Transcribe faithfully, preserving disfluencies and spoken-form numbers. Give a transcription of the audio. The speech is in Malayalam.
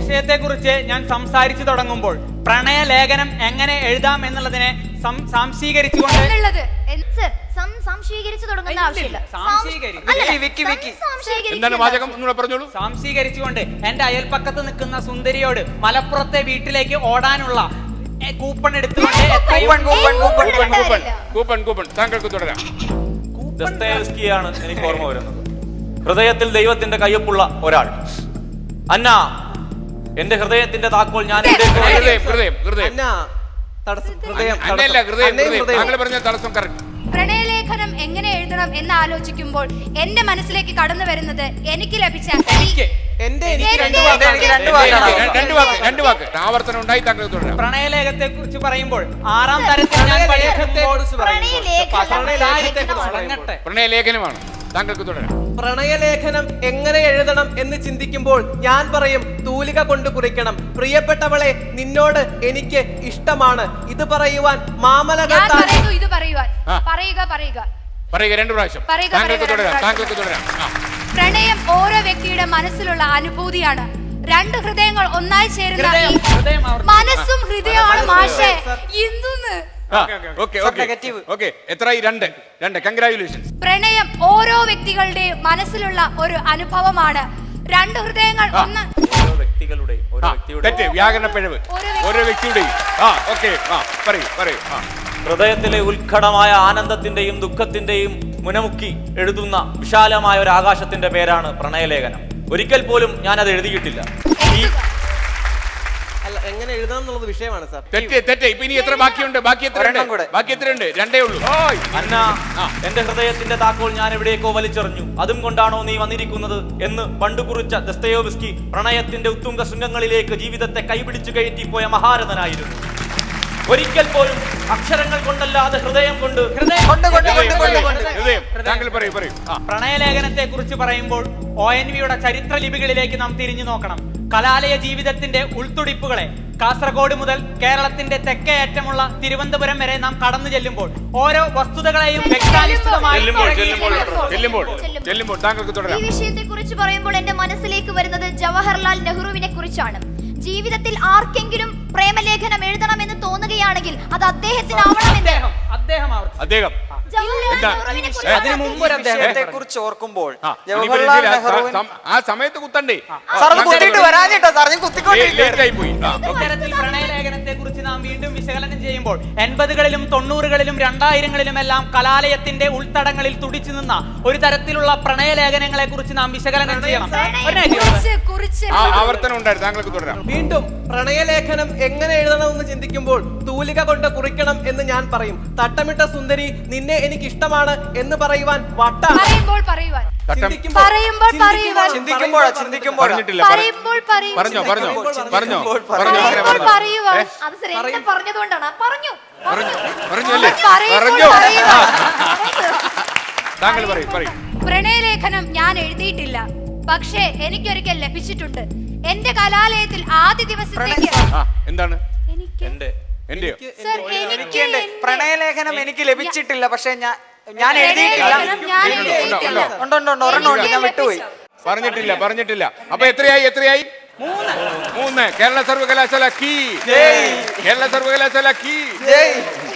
വിഷയത്തെക്കുറിച്ച് ഞാൻ സംസാരിച്ചു തുടങ്ങുമ്പോൾ പ്രണയലേഖനം എങ്ങനെ എഴുതാം എന്നുള്ളതിനെ സംശീകരിച്ചുകൊണ്ട് സംശീകരിച്ചുകൊണ്ട് എന്റെ അയൽപ്പക്കത്ത് നിൽക്കുന്ന സുന്ദരിയോട് മലപ്പുറത്തെ വീട്ടിലേക്ക് ഓടാനുള്ള കൂപ്പൺ എടുത്തുകൊണ്ട് ദസ്തയേവ്സ്കിയാണ് എനിക്ക് ഓർമ്മ വരുന്നത്. ഹൃദയത്തിൽ ദൈവത്തിന്റെ കയ്യൊപ്പുള്ള ഒരാൾ. അന്ന, എന്റെ ഹൃദയത്തിന്റെ താക്കോൽ ഞാൻ പ്രണയലേഖനം എങ്ങനെ എഴുതണം എന്ന് ആലോചിക്കുമ്പോൾ എന്റെ മനസ്സിലേക്ക് കടന്നു വരുന്നത് എനിക്ക് ലഭിച്ച പ്രണയലേഖത്തെ കുറിച്ച് പറയുമ്പോൾ ആറാം തരത്തിൽ പ്രണയലേഖനമാണ് താങ്കൾക്ക് തുടരാം. പ്രണയലേഖനം എങ്ങനെ എഴുതണം എന്ന് ചിന്തിക്കുമ്പോൾ ഞാൻ പറയും തൂലിക കൊണ്ട് കുറിക്കണം. പ്രിയപ്പെട്ടവളെ, നിന്നോട് എനിക്ക് ഇഷ്ടമാണ്. ഇത് പറയുവാൻ മാമലകൾ പ്രണയം ഓരോ വ്യക്തിയുടെ മനസ്സിലുള്ള അനുഭൂതിയാണ്. രണ്ട് ഹൃദയങ്ങൾ ഒന്നായി ചേരുന്ന മനസ്സും ഹൃദയമാണ് മാഷേ. എന്തുന്ന് പ്രണയം ഓരോ വ്യക്തികളുടെ മനസ്സിലുള്ള ഒരു അനുഭവമാണ്. രണ്ട് ഹൃദയങ്ങൾ ഒന്ന് വ്യക്തികളുടെ ഹൃദയത്തിലെ ഉത്കടമായ ആനന്ദത്തിന്റെയും ദുഃഖത്തിന്റെയും മുനമുക്കി എഴുതുന്ന വിശാലമായ ഒരു ആകാശത്തിന്റെ പേരാണ് പ്രണയലേഖനം. ഒരിക്കൽ പോലും ഞാൻ അത് എഴുതിയിട്ടില്ല. എങ്ങനെ എഴുതാം എന്നുള്ളത് വിഷയമാണ് സാർ. ഇനി എത്ര ബാക്കിയുണ്ട്? ബാക്കി എത്രയുണ്ട്? ബാക്കി എത്രയുണ്ട്? രണ്ടേ ഉള്ളൂ. അന്ന, എന്റെ ഹൃദയത്തിന്റെ താക്കോൽ ഞാൻ എവിടേക്കോ വലിച്ചെറിഞ്ഞു. അതും കൊണ്ടാണോ നീ വന്നിരിക്കുന്നത് എന്ന് പണ്ട് കുറിച്ച ദസ്തയേവ്സ്കി പ്രണയത്തിന്റെ ഉത്തുംഗ ശൃംഗങ്ങളിലേക്ക് ജീവിതത്തെ കൈപിടിച്ചു കയറ്റിപ്പോയ മഹാരഥനായിരുന്നു. ഒരിക്കൽ പോലും അക്ഷരങ്ങൾ കൊണ്ടല്ലാതെ ഹൃദയം കൊണ്ട് പ്രണയലേഖനത്തെ കുറിച്ച് പറയുമ്പോൾ ഒ എൻ വിയുടെ ചരിത്ര ലിപികളിലേക്ക് നാം തിരിഞ്ഞു നോക്കണം. കലാലയ ജീവിതത്തിന്റെ ഉൾത്തുടിപ്പുകളെ കാസർഗോഡ് മുതൽ കേരളത്തിന്റെ തെക്കേ അറ്റമുള്ള തിരുവനന്തപുരം വരെ നാം കടന്നു ചെല്ലുമ്പോൾ ഓരോ വസ്തുതകളെയും വ്യക്താനിഷ്ഠിതമായി ഈ വിഷയത്തെ കുറിച്ച് പറയുമ്പോൾ എന്റെ മനസ്സിലേക്ക് വരുന്നത് ജവഹർലാൽ നെഹ്റുവിനെ കുറിച്ചാണ്. ജീവിതത്തിൽ ആർക്കെങ്കിലും പ്രേമലേഖനം എഴുതണമെന്ന് തോന്നുകയാണെങ്കിൽ അത് അദ്ദേഹത്തിനാവണമെന്ന് അദ്ദേഹം അതിനു മുമ്പ് അദ്ദേഹത്തെ കുറിച്ച് ഓർക്കുമ്പോൾ ആ സമയത്ത് കുത്തണ്ടേ? ഇത്തരത്തിൽ പ്രണയലേഖനത്തെ കുറിച്ച് നാം വീണ്ടും വിശകലനം ചെയ്യുമ്പോൾ എൺപതുകളിലും തൊണ്ണൂറുകളിലും രണ്ടായിരങ്ങളിലും എല്ലാം കലാലയത്തിന്റെ ഉൾത്തടങ്ങളിൽ തുടിച്ചു നിന്ന ഒരു തരത്തിലുള്ള പ്രണയലേഖനങ്ങളെ കുറിച്ച് നാം വിശകലനം ചെയ്യണം. ആവർത്തനം ഉണ്ടായിരുന്നു. താങ്കൾക്ക് തുടരാം. വീണ്ടും പ്രണയലേഖനം എങ്ങനെ എഴുതണമെന്ന് ചിന്തിക്കുമ്പോൾ തൂലിക കൊണ്ട് കുറിക്കണം എന്ന് ഞാൻ പറയും. തട്ടമിട്ട സുന്ദരി, നിന്നെ എനിക്ക് ഇഷ്ടമാണ് എന്ന് പറയുവാൻ വട്ടാണ്. പ്രണയലേഖനം ഞാൻ എഴുതിയിട്ടില്ല, പക്ഷേ എനിക്കൊരിക്കൽ ലഭിച്ചിട്ടുണ്ട്. എന്റെ കലാലയത്തിൽ ആദ്യ ദിവസത്തേക്ക് എന്താണ് പ്രണയലേഖനം എനിക്ക് ലഭിച്ചിട്ടില്ല, പക്ഷെ ഞാൻ ഞാൻ എഴുതിയിട്ടില്ല. ഞാൻ വിട്ടുപോയി. പറഞ്ഞിട്ടില്ല പറഞ്ഞിട്ടില്ല അപ്പൊ എത്രയായി? എത്രയായി? മൂന്ന്. കേരള സർവകലാശാല കീ. കേരള സർവകലാശാല കീ.